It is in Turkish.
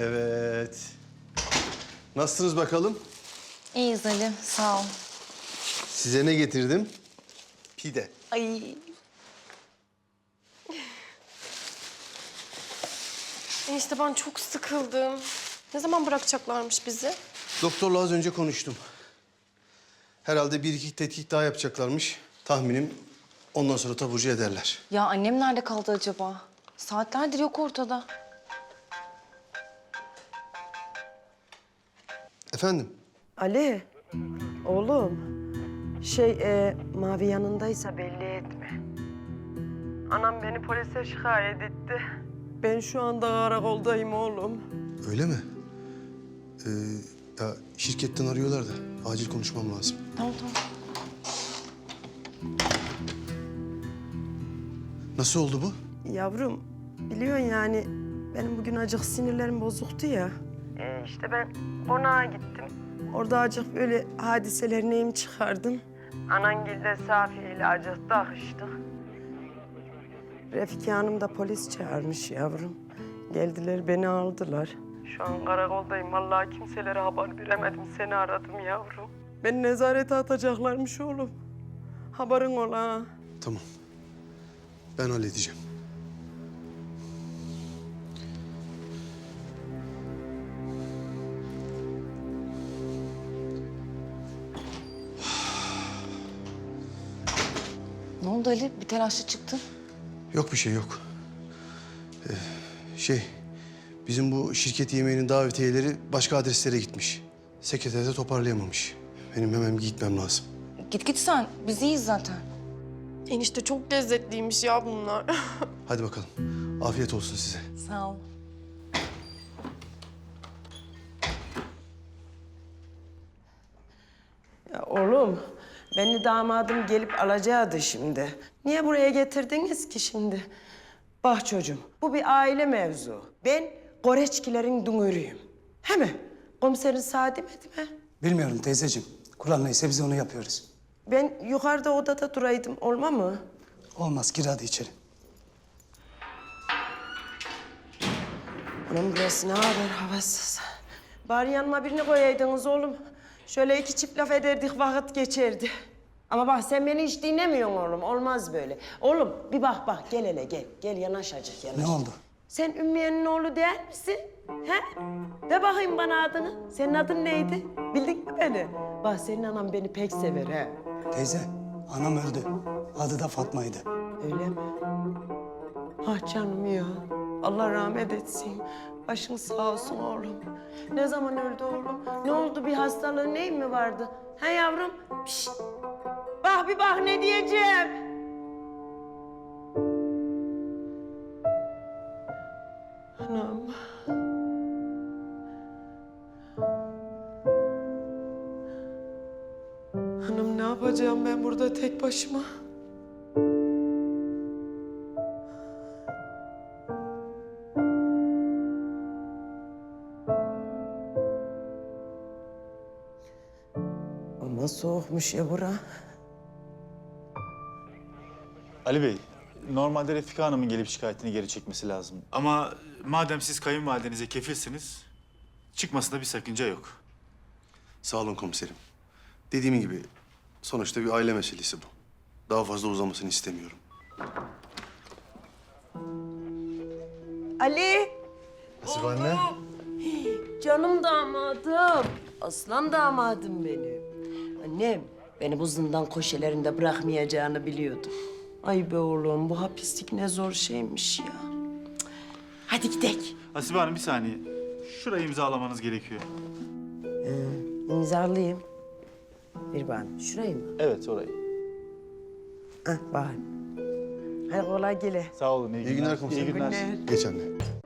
Evet. Nasılsınız bakalım? İyiyiz Ali, sağ ol. Size ne getirdim? Pide. Ay. Enişte ben çok sıkıldım. Ne zaman bırakacaklarmış bizi? Doktorla az önce konuştum. Herhalde bir iki tetkik daha yapacaklarmış. Tahminim ondan sonra taburcu ederler. Ya annem nerede kaldı acaba? Saatlerdir yok ortada. Efendim? Ali, oğlum. Mavi yanındaysa belli etme. Anam beni polise şikayet etti. Ben şu anda karakoldayım oğlum. Öyle mi? Ya şirketten arıyorlar da acil konuşmam lazım. Tamam, tamam. Nasıl oldu bu? Yavrum, biliyorsun yani benim bugün acık sinirlerim bozuktu ya. İşte ben konağa gittim. Orada acık böyle hadiseler neyim çıkardım. Anangil'de Safi ile acık takıştık. Refika Hanım da polis çağırmış yavrum. Geldiler beni aldılar. Şu an karakoldayım. Vallahi kimselere haber veremedim. Seni aradım yavrum. Beni nezarete atacaklarmış oğlum. Haberin ola ha. Tamam. Ben halledeceğim. Ne oldu Ali? Bir telaşlı çıktın. Yok bir şey yok. Bizim bu şirket yemeğinin davetiyeleri başka adreslere gitmiş. Sekreter de toparlayamamış. Benim hemen gitmem lazım. Git sen. Biz iyiyiz zaten. Enişte çok lezzetliymiş ya bunlar. Hadi bakalım. Afiyet olsun size. Sağ ol. Ya oğlum, beni damadım gelip alacaktı şimdi. Niye buraya getirdiniz ki şimdi? Bak çocuğum, bu bir aile mevzu. Ben Goreçkilerin dungörüyüm. He mi? Komiserin sağ demedi mi? Bilmiyorum teyzeciğim. Kural neyse biz onu yapıyoruz. Ben yukarıda odada duraydım, olma mı? Olmaz gir hadi içeri. Anam burası ne haber havasız. Bari yanıma birini koyaydınız oğlum. Şöyle iki çift laf ederdik, vakit geçerdi. Ama bak sen beni hiç dinlemiyorsun oğlum, olmaz böyle. Oğlum bir bak, gel hele gel. Gel yanaş acık, yanaş. Ne oldu? Sen Ümmüye'nin oğlu değil misin? He? De bakayım bana adını. Senin adın neydi? Bildin mi beni? Bak senin anan beni pek sever he. Teyze anam öldü. Adı da Fatma'ydı. Öyle mi? Ah canım ya. Allah rahmet etsin. Başın sağ olsun oğlum. Ne zaman öldü oğlum? Ne oldu? Bir hastalığı neyin mi vardı? Ha yavrum? Pişt. Bak bir bak ne diyeceğim. Anam. Hanım ne yapacağım ben burada tek başıma? Ama soğukmuş ya bura. Ali Bey, normalde Refika Hanım'ın gelip şikayetini geri çekmesi lazım. Ama madem siz kayınvalidenize kefilsiniz, çıkmasında bir sakınca yok. Sağ olun komiserim. Dediğim gibi sonuçta bir aile meselesi bu. Daha fazla uzamasını istemiyorum. Ali! Nasıl anne? Canım damadım. Aslan damadım benim. Annem beni bu zindan köşelerinde bırakmayacağını biliyordum. Ay be oğlum bu hapislik ne zor şeymiş ya. Cık. Hadi gidelim. Hasibe Hanım bir saniye. Şurayı imzalamanız gerekiyor. İmzalayayım. Bir bana. Şurayı mı? Evet, orayı. Hah bak. Hadi kolay gele. Sağ olun, iyi günler. İyi günler komiserim. İyi günler. Günler. Geç anne.